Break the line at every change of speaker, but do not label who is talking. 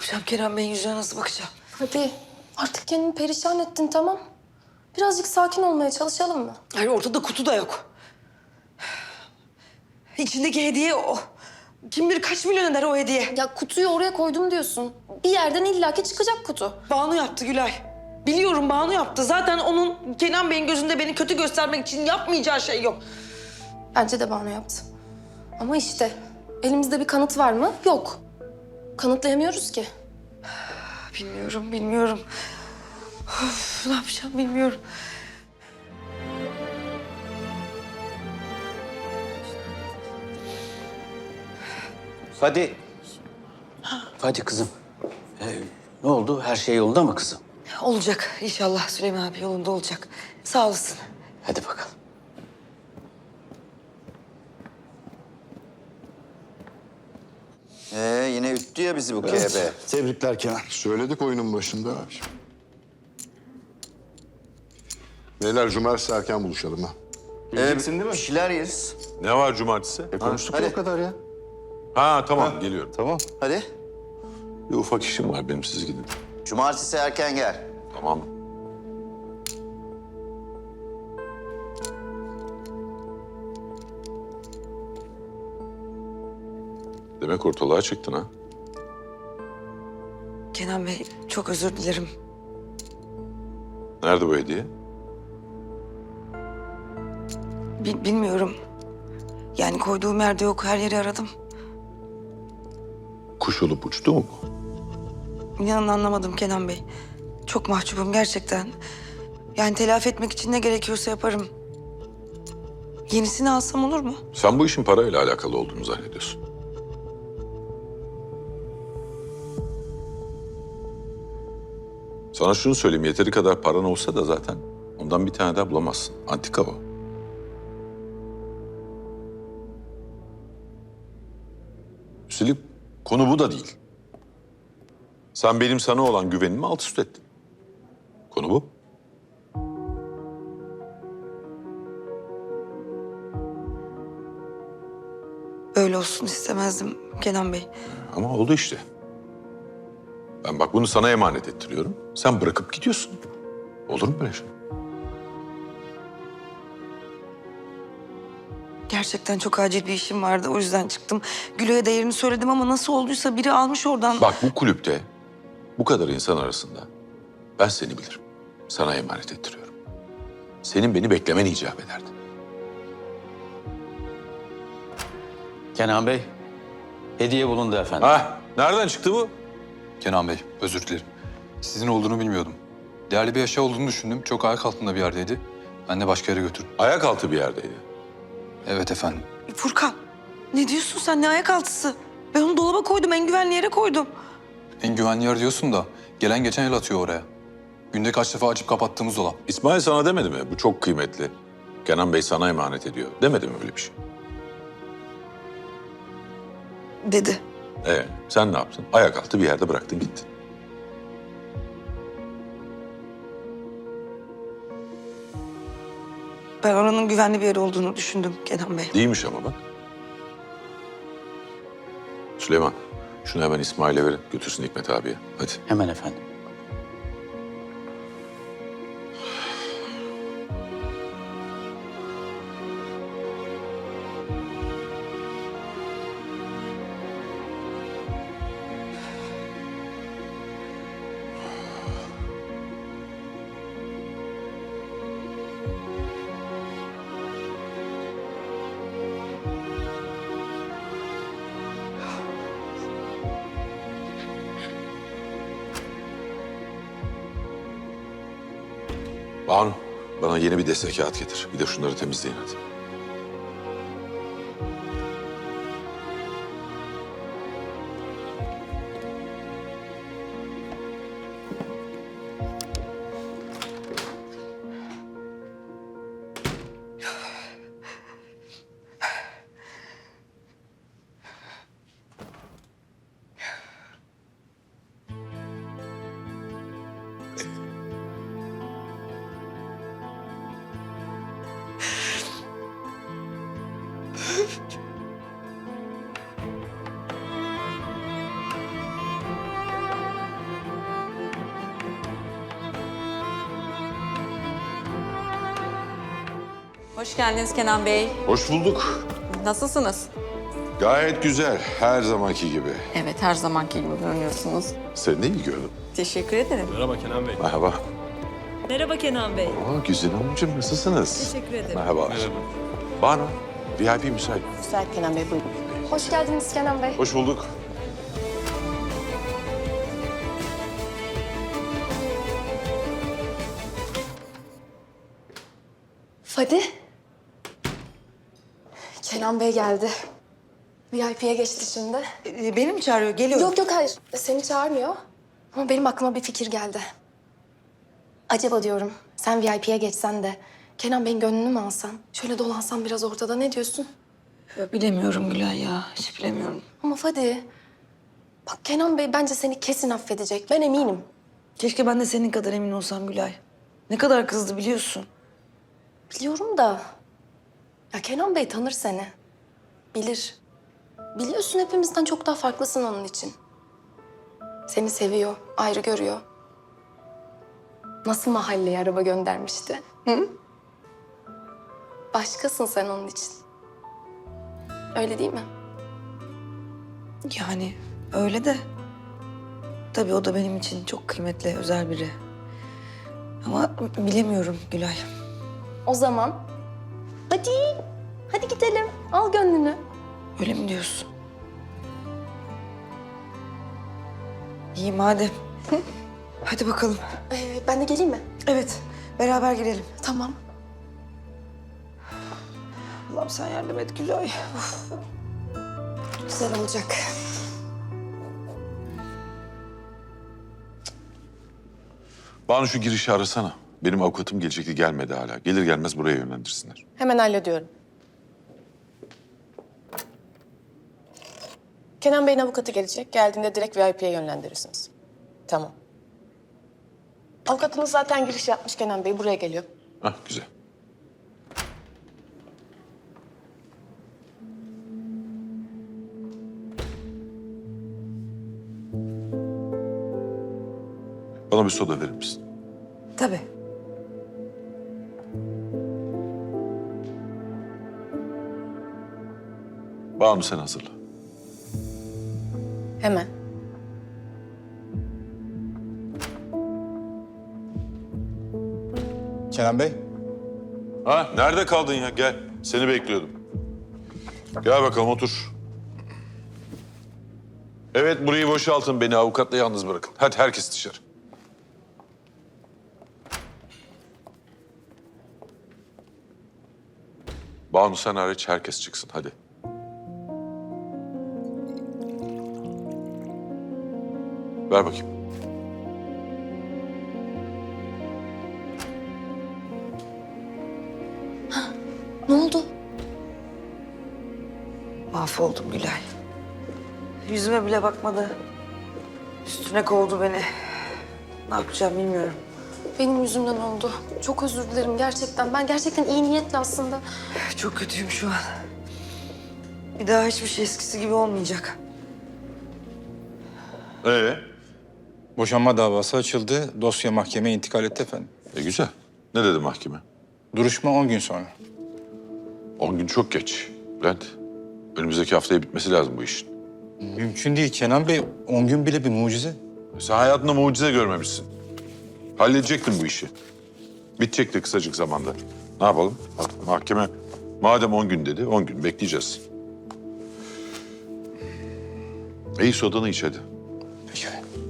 yapacağım? Kerem Bey'in yüzüne nasıl bakacağım?
Hadi artık kendini perişan ettin, tamam. Birazcık sakin olmaya çalışalım mı?
Hayır, ortada kutu da yok. İçindeki hediye o. Kim bilir kaç milyon eder o hediye.
Ya kutuyu oraya koydum diyorsun. Bir yerden illaki çıkacak kutu.
Banu yaptı Gülay. Biliyorum Banu yaptı. Zaten onun Kenan Bey'in gözünde beni kötü göstermek için yapmayacağı şey yok.
Bence de Banu yaptı. Ama işte elimizde bir kanıt var mı? Yok. Kanıtlayamıyoruz ki.
Bilmiyorum. Of, ne yapacağım bilmiyorum.
Hadi. Hadi kızım. Ne oldu? Her şey yolunda mı kızım?
Olacak inşallah Süleyman abi, yolunda olacak. Sağ olasın.
Hadi bakalım.
Yine üttü ya bizi bu KB.
Tebrikler Kenan.
Söyledik oyunun başında. Beyler cumartesi erken buluşalım ha.
Geleceksin değil mi?
Bir şeyler yeriz.
Ne var cumartesi?
Konuştuk
hadi.
ya o kadar ya.
Ha tamam geliyorum.
Tamam.
Hadi.
Bir ufak işim var benim, siz gidin.
Cumartesi erken gel.
Tamam. Demek ortalığa çıktın ha?
Kenan Bey, çok özür dilerim.
Nerede bu hediye?
Bilmiyorum. Yani koyduğum yerde yok. Her yeri aradım.
Kuş olup uçtu mu bu?
İnanın anlamadım Kenan Bey. Çok mahcubum gerçekten. Yani telafi etmek için ne gerekiyorsa yaparım. Yenisini alsam olur mu?
Sen bu işin parayla alakalı olduğunu zannediyorsun. Sana şunu söyleyeyim, yeteri kadar paran olsa da zaten ondan bir tane daha bulamazsın. Antika o. Üstelik konu bu da değil. Sen benim sana olan güvenimi alt üst ettin. Konu bu.
Böyle olsun istemezdim Kenan Bey.
Ama oldu işte. Ben bak bunu sana emanet ettiriyorum. Sen bırakıp gidiyorsun. Olur mu böyle şey?
Gerçekten çok acil bir işim vardı. O yüzden çıktım. Gülo'ya değerini söyledim ama nasıl olduysa biri almış oradan.
Bak bu kulüpte bu kadar insan arasında ben seni bilirim. Sana emanet ettiriyorum. Senin beni beklemen icap ederdi.
Kenan Bey, hediye bulundu efendim.
Ha, nereden çıktı bu?
Kenan Bey, özür dilerim. Sizin olduğunu bilmiyordum. Değerli bir eşya olduğunu düşündüm. Çok ayak altında bir yerdeydi. Ben de başka yere götürdüm.
Ayak altı bir yerdeydi.
Evet efendim.
Furkan, ne diyorsun sen? Ne ayak altısı? Ben onu dolaba koydum, en güvenli yere koydum.
En güvenli yer diyorsun da gelen geçen el atıyor oraya. Günde kaç defa açıp kapattığımız dolap.
İsmail sana demedi mi? Bu çok kıymetli. Kenan Bey sana emanet ediyor. Demedi mi öyle bir şey?
Dedi.
Sen ne yaptın? Ayak altı bir yerde bıraktın gittin.
Ben oranın güvenli bir yer olduğunu düşündüm Kenan Bey.
Değilmiş ama bak. Süleyman, şunu hemen İsmail'e verin. Götürsün Hikmet abiye. Hadi.
Hemen efendim.
Banu, bana yeni bir destek kağıt getir. Bir de şunları temizleyin hadi.
Hoş geldiniz Kenan Bey.
Hoş bulduk.
Nasılsınız?
Gayet güzel. Her zamanki gibi.
Evet, her zamanki gibi görünüyorsunuz.
Seni de iyi gördüm.
Teşekkür ederim.
Merhaba.
Merhaba Kenan Bey.
Aa, Güzin Hanımcığım nasılsınız?
Teşekkür ederim.
Merhaba. Banu, VIP müsait.
Müsait Kenan Bey, buyurun.
Hoş geldiniz Kenan Bey.
Hoş bulduk.
Fadi. Kenan Bey geldi. VIP'ye geçti şimdi.
Beni mi çağırıyor? Geliyorum.
Yok yok hayır. Seni çağırmıyor. Ama benim aklıma bir fikir geldi. Acaba diyorum sen VIP'ye geçsen de Kenan Bey'in gönlünü mü alsan? Şöyle dolansan biraz ortada, ne diyorsun?
Bilemiyorum Gülay ya. Hiç bilemiyorum.
Ama Fadi, bak Kenan Bey bence seni kesin affedecek. Ben eminim.
Keşke ben de senin kadar emin olsam Gülay. Ne kadar kızdı biliyorsun.
Biliyorum da... Ya Kenan Bey tanır seni. Bilir. Biliyorsun hepimizden çok daha farklısın onun için. Seni seviyor, ayrı görüyor. Nasıl mahalleye araba göndermişti? Hı? Başkasın sen onun için. Öyle değil mi?
Yani öyle de. Tabii o da benim için çok kıymetli, özel biri. Ama bilemiyorum Gülay.
O zaman hadi, hadi gidelim. Al gönlünü.
Öyle mi diyorsun? İyi madem. Hadi bakalım.
Ben de geleyim mi?
Evet, beraber girelim.
Tamam.
Allah'ım sen yardım et Gülay.
Güzel olacak.
Banu şu girişi arasana. Benim avukatım gelecekti, gelmedi hala. Gelir gelmez buraya yönlendirsinler.
Hemen hallediyorum. Kenan Bey'in avukatı gelecek. Geldiğinde direkt VIP'ye yönlendirirsiniz. Tamam. Avukatınız zaten giriş yapmış Kenan Bey. Buraya geliyor.
Hah, güzel. Bana bir soda verir misin?
Tabii.
Banu sen hazırla.
Hemen.
Kenan Bey.
Ha, nerede kaldın ya? Gel. Seni bekliyordum. Gel bakalım otur. Evet, burayı boşaltın. Beni avukatla yalnız bırakın. Hadi herkes dışarı. Banu sen hariç herkes çıksın. Hadi. Ver bakayım.
Ne oldu?
Mahvoldum Gülay. Yüzüme bile bakmadı. Üstüne kovdu beni. Ne yapacağım bilmiyorum.
Benim yüzümden oldu. Çok özür dilerim gerçekten. Ben gerçekten iyi niyetle aslında.
Çok kötüyüm şu an. Bir daha hiçbir şey eskisi gibi olmayacak.
Boşanma davası açıldı. Dosya mahkemeye intikal etti efendim.
Güzel. Ne dedi mahkeme?
Duruşma 10 gün sonra.
10 gün çok geç. Bülent, önümüzdeki haftaya bitmesi lazım bu işin.
Mümkün değil Kenan Bey. 10 gün bile bir mucize.
Sen hayatında mucize görmemişsin. Halledecektin bu işi. Bitecekti kısacık zamanda. Ne yapalım? Mahkeme madem 10 gün dedi, 10 gün bekleyeceğiz. İyi sodanı iç hadi.
Peki.